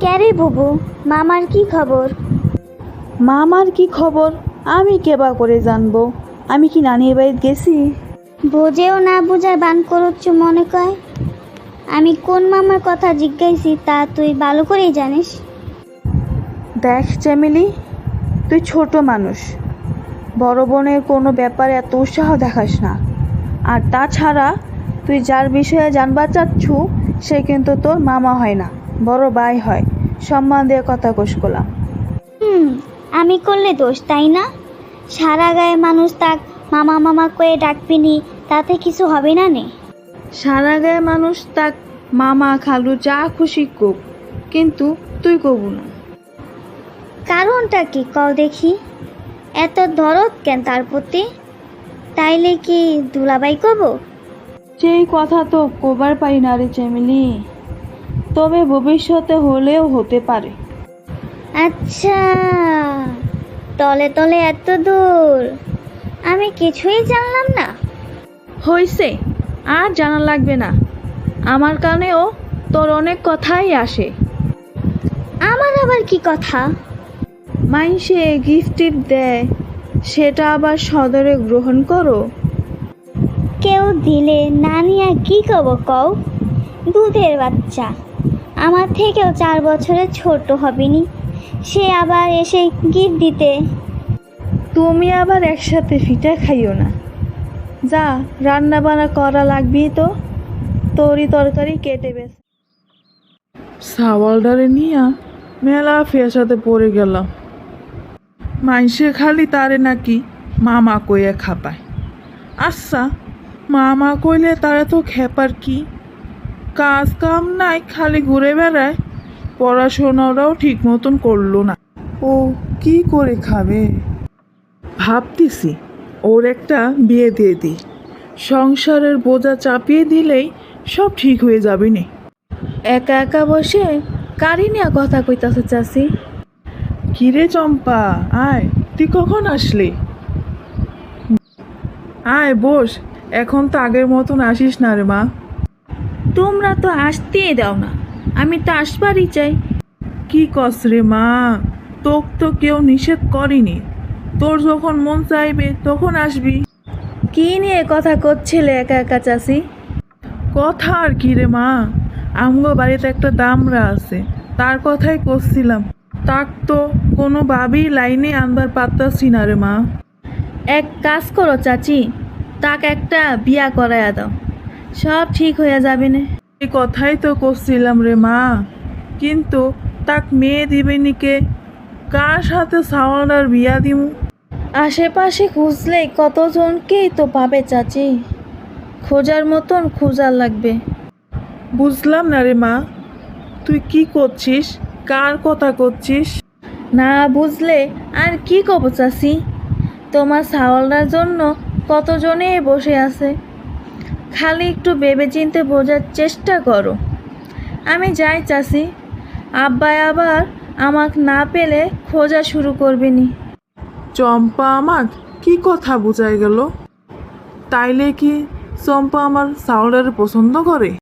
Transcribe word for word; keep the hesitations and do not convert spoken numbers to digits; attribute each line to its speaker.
Speaker 1: ক্যারে বুবু, মামার কি খবর?
Speaker 2: মামার কি খবর আমি কেবা করে জানবো? আমি কি নানির বাড়িতে গেছি?
Speaker 1: বোঝেও না বোঝার বান করছ মনে কয়। আমি কোন মামার কথা জিজ্ঞাসি তা তুই ভালো করেই জানিস।
Speaker 2: দেখ চ্যামিলি, তুই ছোট মানুষ, বড় বোনের কোনো ব্যাপারে এত উৎসাহ দেখাস না। আর তাছাড়া তুই যার বিষয়ে জানবার চাচ্ছু সে কিন্তু তোর মামা হয় না, বড় ভাই হয়। সম্মান দিয়ে কথা কোষ করলাম।
Speaker 1: হুম, আমি করলে দোষ তাই না? সারা গায়ে মানুষ তাক মামা মামা কয়ে ডাকবিনি, তাতে কিছু হবে না নে?
Speaker 2: সারা গায়ে মানুষ তাক মামা খালু যা খুশি কোক, কিন্তু তুই কবু না।
Speaker 1: কারণটা কি কও দেখি? এত দরদ কেন তার প্রতি? তাইলে কি দুলাবাই কব?
Speaker 2: সেই কথা তো কবার পারি না রে চ্যামিলি, তবে ভবিষ্যতে হলেও হতে পারে।
Speaker 1: আচ্ছা, তলে তলে এত দূর, আমি কিছুই জানলাম না।
Speaker 2: হইছে, আর জানা লাগবে না। আমার কানেও তোর অনেক কথাই আসে।
Speaker 1: আমার আবার কি কথা?
Speaker 2: মাইনসে গিফট টিপ দেয়, সেটা আবার সদরে গ্রহণ করো।
Speaker 1: কেউ দিলে নানিয়া কি কব কও? দুধের বাচ্চা, আমার থেকেও চার বছরের ছোট হবেনি, সে আবার এসে গিফট দিতে।
Speaker 2: তুমি আবার একসাথে ফিটা খাইও না। যা, রান্না বান্না করা লাগবি তো, তরি তরকারি কেটে বেশ।
Speaker 3: সাওয়ালডারে নিয়া মেলা ফেসাতে পড়ে গেলাম। মাইসে খালি তারে নাকি মামা কইয়া খাপায়। আচ্ছা, মামা কইলে তারা তো খেপার কি? কাজ কাম নাই, খালি ঘুরে বেড়ায়। পড়াশোনাটাও ঠিক মতন করলো না। ও কি করে খাবে? ভাবতেছি ওর একটা বিয়ে দিয়ে দিই, সংসারের বোঝা চাপিয়ে দিলেই সব ঠিক হয়ে যাবে নে।
Speaker 2: একা একা বসে কারি নিয়ে কথা কইতাছে চাচি?
Speaker 3: কিরে চম্পা, আয়, তুই কখন আসলি? আয় বস, এখন তো আগের মতন আসিস না রে মা।
Speaker 2: তোমরা তো আসতেই দাও না, আমি তো আসবারই চাই।
Speaker 3: কি কস রে মা, তোক তো কেউ নিষেধ করেনি। তোর যখন মন চাইবে তখন আসবি।
Speaker 2: কি নিয়ে কথা করছিলে একা একা চাচি?
Speaker 3: কথা আর কি রে মা, আমগো বাড়িতে একটা দামরা আছে, তার কথাই করছিলাম। তাক তো কোনোভাবেই লাইনে আনবার পারতাছি না রে মা।
Speaker 2: এক কাজ করো চাচি, তাক একটা বিয়া করাইয়া দাও, সব ঠিক হয়ে যাবে না।
Speaker 3: এই কথাই তো করছিলাম রে মা, কিন্তু তাক মেয়ে দিবে নিকে, কার সাথে সাওয়ালার বিয়া দিমু?
Speaker 2: আশেপাশে খুঁজলেই কতজনকেই তো পাবে চাচি, খোঁজার মতন খোঁজার লাগবে।
Speaker 3: বুঝলাম না রে মা, তুই কি করছিস, কার কথা করছিস?
Speaker 2: না বুঝলে আর কি কব চাচি, তোমার ছাওয়ালটার জন্য কতজনে বসে আছে। খালি একটু ভেবে চিনতে বোঝার চেষ্টা করো। আমি যাই চাচি, আব্বাই আবার আমাক না পেলে খোঁজা শুরু করবেনি।
Speaker 3: চম্পা আমাক কি কথা বোঝাই গেল? তাইলে কি চম্পা আমার সাওয়ালটারে পছন্দ করে?